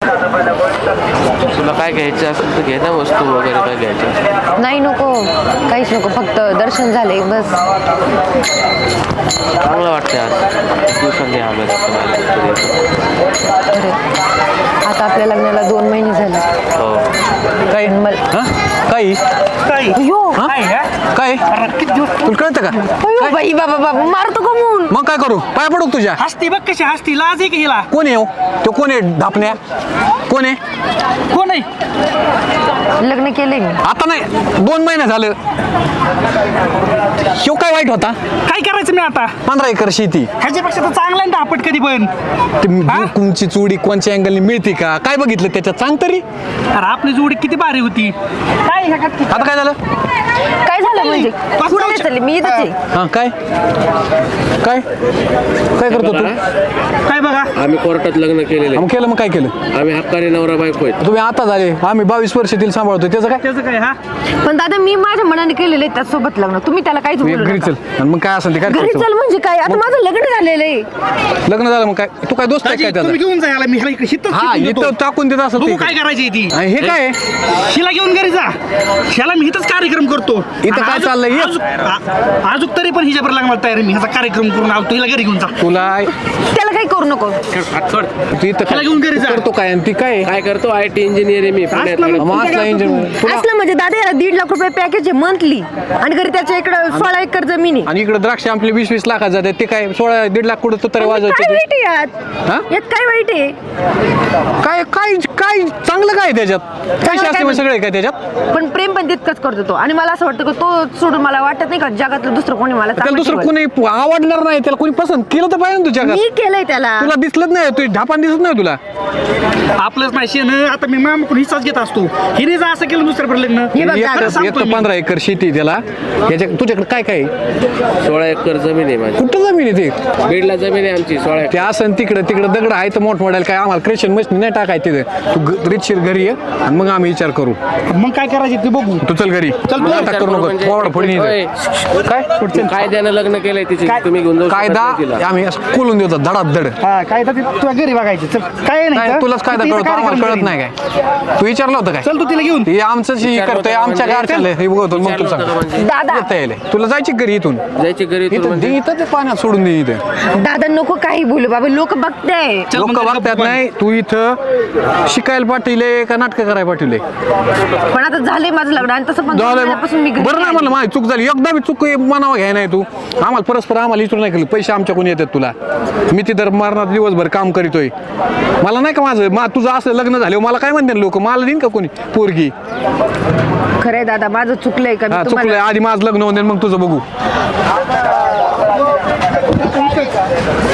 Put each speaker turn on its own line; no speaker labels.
तुला काय घ्यायचं असेल तर घे ना, वस्तू वगैरे काय घ्यायचं?
नाही नको, काहीच नको, फक्त दर्शन झाले बस.
चांगलं वाटतं आज खूप दिवसांनी आलो
खरं. आता आपल्या लग्नाला 2 महिने झाले.
हो.
काय काही
अयो
काय तुला कळतं का?
अयो बाई, बाबा बाबा मारतो का म्हणून?
मग काय करू? पाय पडू का तुझ्या?
हसती बघ कशी हसती, लाज आहे की हिला?
कोण आहे हो? तो कोण आहे धापण्या? कोण आहे?
कोण आहे?
लग्न केलंय मी.
आता नाही, 2 महिने झालं. शिव काय वाईट होता?
काय करायचं मी आता?
15 एकर शेती.
ह्याच्यापेक्षा तर चांगला आहे ना आपट कधी पण.
तुमची चुडी कोणच्या अँगलनी मिळते का? काय बघितलं त्याच्यात सांग तरी.
अरे आपली जोडी किती भारी होती. काय ह्या का-
आता काय झालं?
काय झालं म्हणजे? कुठे नाही चालली मी, इथंच आहे.
हा काय काय काय करतो तू?
काय बघा,
आम्ही कोर्टात लग्न केलेले,
मग केलं, मग काय केलं?
आम्ही हक्काने नवरा बायको आहेत.
तुम्ही आता झाले, आम्ही 22 वर्ष तिला सांभाळतो. त्याचं काय?
त्याचं काय? हा
पण दादा मी माझ्या मनाने केलेलं आहे त्यासोबत लग्न. तुम्ही त्याला काहीच
तू
बोलू
घरी
नका.
चल. आणि मग काय असेल ते काय
घरी
करतो?
चल म्हणजे काय? आता माझं लग्न झालेलं आहे.
लग्न झालं मग काय? तू काय दोस्त आहे काय
तुम्ही
त्याचा?
घेऊन जा याला, मी ह्याला इकडे हिथंच
हा
शिकून देतो.
इथं टाकून देत असं
बघू काय करायची ती.
हे काय आहे?
हिला घेऊन घरी जा, ह्याला मी इथंच कार्यक्रम करतो.
इथं काय चाललंय? ये.
अजून तरी पण हिच्यावर लग्नाला तयार आहे मी. ह्याचा कार्यक्रम करून आलो, हिला घरी घेऊन जा.
तुला
त्याला काही करू नको.
तू इथं
त्याला घेऊन घरी जा.
करतो काय? आणि ती काय
काय करतो? IT इंजिनियर आहे मी पुण्यात.
असलं मग.
मग असला इंजिन तुला.
असलं म्हणजे दादा याला 1.5 लाख रुपये पॅकेज आहे मंथली, आणि घरी त्याच्या इकडं 16 एकर जमीन आहे.
आणि इकडे द्राक्ष आपले 20-20 लाखात जाते. ते काय 16-1.5 लाख कुठं तरी
काय
वाजवायचे?
वाईट आहे यात?
हा?
यात काय वाईट आहे?
काय काय काय चांगलं काय त्याच्यात? पैसे असते मग सगळे काय त्याच्यात?
पण प्रेम पण तितकंच करतो तो. आणि मला असं वाटतं की तो सोडून मला वाटत नाही का जगातलं दुसरं कोणी मला
त्याला
चांगलं
दुसरं
शिकवेल.
कोणी आवडणार नाही. त्याला कोणी पसंत केलं तर पाहिजे ना तुझ्या जगात.
मी केलंय त्याला.
तुला दिसलंच नाही, तू ढापान दिसत नाही तुला.
आपलंच नाही शेण. आता मी मामाकडून हिस्साच घेत असतो. हिने जर असं केलं दुसऱ्याकडे लग्न,
हे बघ
एक
दादा,
तर- एक तर 15 एकर शेती आहे त्याला. तुझ्याकडे काय काय आहे?
16 एकर जमीन आहे माझी.
कुठं जमीन आहे ते?
बीडला जमीन आहे आमची 16 एकर.
ते असं तिकडं तिकडं दगड आहे तर मोठमोठ्याला काय आम्हाला क्रेशन मशीन नाही टाकाय तिथे. तू रितशीर घरी ये आणि मग आम्ही विचार करू.
मग काय करायचं ते बघू.
तू चल घरी.
चल, तू
आता करू नको.
म्हणजे-
फोड फोडीन
होय.
इथं. काय
कायद्यानं लग्न केलंय तिची,
काय?
तुम्ही घेऊन जाऊ शकत
कायदा
नाही तिला.
आम्ही असं कोलून देतो धडात धड.
हा काय तर तुला घरी बघायचं. चल काय नाही
काय
तर.
तुलाच कायदा
तिथं
कळतो, आम्हाला
कार्यक्रम
कळत नाही काय? तू विचारलं होतं काय?
चल तू तिला घेऊन.
हे आमचं हे करतोय आमच्या गारच्याला हे बघतो मग तू सांग.
दादा
येता येईल. तुला जायची घरी इथून.
जायची घरी इथून
इथं
म्हणजे?
दे, इथं ते पाण्यात सोडून दे इथं.
दादा नको काही बोलू बाबा, लोक बघताय.
चल
लोक
मग घरी
बघतात
गप्प
नाही. तू इथं शिकायला पाठवले का नाटकं करायला पाठवले?
पण आता झालंय माझं लग्न, आणि तसं पण 2 महिन्यापासून मी घरी
बरं नाही
आली.
म्हणलं माझी चूक झाली. एकदा मी चूक मनावा घ्याय नाही तू. आम्हाला परस्पर आम्हाला इथून नाही केलं. पैसे आमच्याकडून येतात तुला. मी तिथं मरणात दिवसभर काम करीतोय. मला नाही का माझं तुझं असं लग्न झालं मला काय म्हणते लोक? मला देईन का कोणी पोरगी?
खरंय दादा, माझं चुकलंय का? मी
हा
तुम्हाला-
चुकलंय. आधी माझं लग्न होऊन दे, मग तुझं बघू.